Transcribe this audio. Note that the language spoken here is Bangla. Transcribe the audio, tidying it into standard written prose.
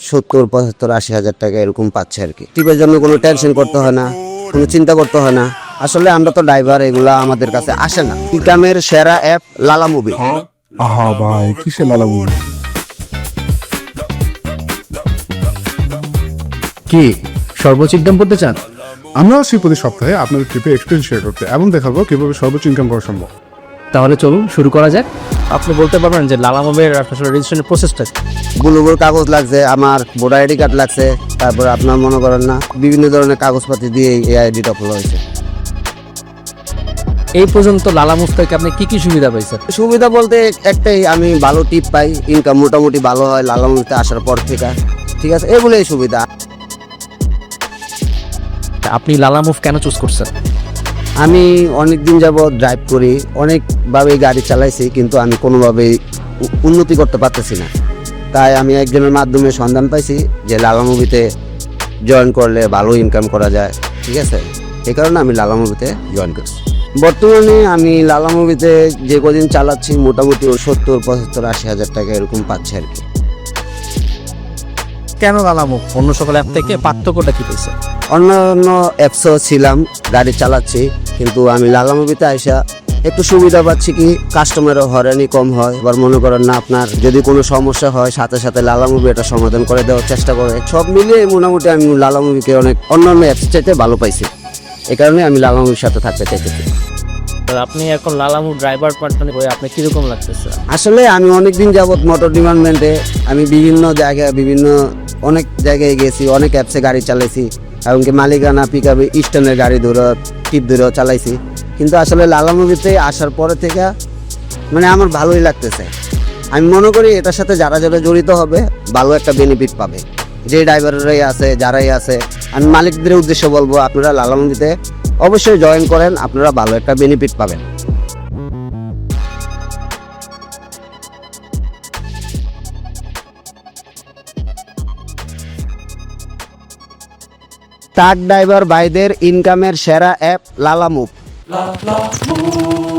70, 75, 80 হাজার টাকা এরকম পাচ্ছে আর কি। টিপের জন্য কোনো টেনশন করতে হয় না, কোনো চিন্তা করতে হয় না। আসলে আমরা তো ড্রাইভার, এগুলা আমাদের কাছে আসে না। ইনকামের সেরা অ্যাপ লালা মুভি। আহা ভাই, কিসের লালা মুভি? কি সর্বোচ্চ ইনকাম করতে চান? আমরা আসছি প্রতি সপ্তাহে আপনাদের ট্রিপে এক্সপিরিয়েন্স শেয়ার করতে এবং দেখাবো কিভাবে সর্বোচ্চ ইনকাম করা সম্ভব। তাহলে চলুন শুরু করা যাক। আপনি বলতে পারবেন যে লালা মুভের আসলে রেজিস্ট্রেশনের প্রসেসটা? বুলুবুর কাগজ লাগছে, আমার ভোটার আইডি কার্ড লাগছে, তারপর আপনার মনে করেন না বিভিন্ন ধরনের কাগজপাতি দিয়ে এই আইডিটা খোলা হয়েছে। এই পর্যন্ত লালা মুভ থেকে আপনি কি কি সুবিধা পাইছেন? সুবিধা বলতে একটাই, আমি ভালো টিপ পাই, ইনকাম মোটামুটি ভালো হয় লালা মুভিতে আসার পর থেকে। ঠিক আছে, এগুলোই সুবিধা। আপনি লালা মুভ কেন চুজ করছেন? আমি অনেক দিন যাবত ড্রাইভ করি, অনেকভাবেই গাড়ি চালাইছি, কিন্তু আমি কোনোভাবেই উন্নতি করতে পারতেছি না। তাই আমি একজনের মাধ্যমে সন্ধান পাইছি যে লালা মুভিতে জয়েন করলে ভালো ইনকাম করা যায়। ঠিক আছে, এই কারণে আমি লালা মুভিতে জয়েন করছি। বর্তমানে আমি লালা মুভিতে যে কদিন চালাচ্ছি মোটামুটি 70, 75, 80 হাজার টাকা এরকম পাচ্ছে আর কি। কেন লালা মুভ অন্য সকল অ্যাপ থেকে পার্থক্যটা কি পেয়েছে? অন্যান্য অ্যাপসও ছিলাম, গাড়ি চালাচ্ছি, কিন্তু আমি লালা মুভিতে আইসা একটু সুবিধা পাচ্ছি কি, কাস্টমারও হয়রানি কম হয়। এবার মনে করেন না, আপনার যদি কোনো সমস্যা হয় সাথে সাথে লালা মুভি এটা সমাধান করে দেওয়ার চেষ্টা করে। সব মিলিয়ে মোটামুটি আমি লালা মুভিকে অনেক অন্যান্য অ্যাপস চাইতে ভালো পাইছি। এই কারণে আমি লালা মুভির সাথে থাকতে চাইতেছি। আপনি এখন লালা মুভ ড্রাইভার পার্টনার হয়ে আপনি কিরকম লাগতেছে? আসলে আমি অনেকদিন যাবত মোটর ডিপার্টমেন্টে আমি বিভিন্ন জায়গায় অনেক জায়গায় গেছি, অনেক অ্যাপসে গাড়ি চালাইছি, এমনকি মালিকানা পিক আপে স্ট্যান্ডের গাড়ি ধরে টিপ ধরেও চালাইছি। কিন্তু আসলে লালা মুভিতে আসার পরে থেকে মানে আমার ভালোই লাগতেছে। আমি মনে করি এটার সাথে যারা যারা জড়িত হবে ভালো একটা বেনিফিট পাবে। যে ড্রাইভাররাই আছে, যারাই আছে, আমি মালিকদের উদ্দেশ্যে বলবো আপনারা লালা মুভিতে অবশ্যই জয়েন করেন, আপনারা ভালো একটা বেনিফিট পাবেন। ট্রাক ড্রাইভার ভাইদের ইনকামের সেরা অ্যাপ লালা মুভ।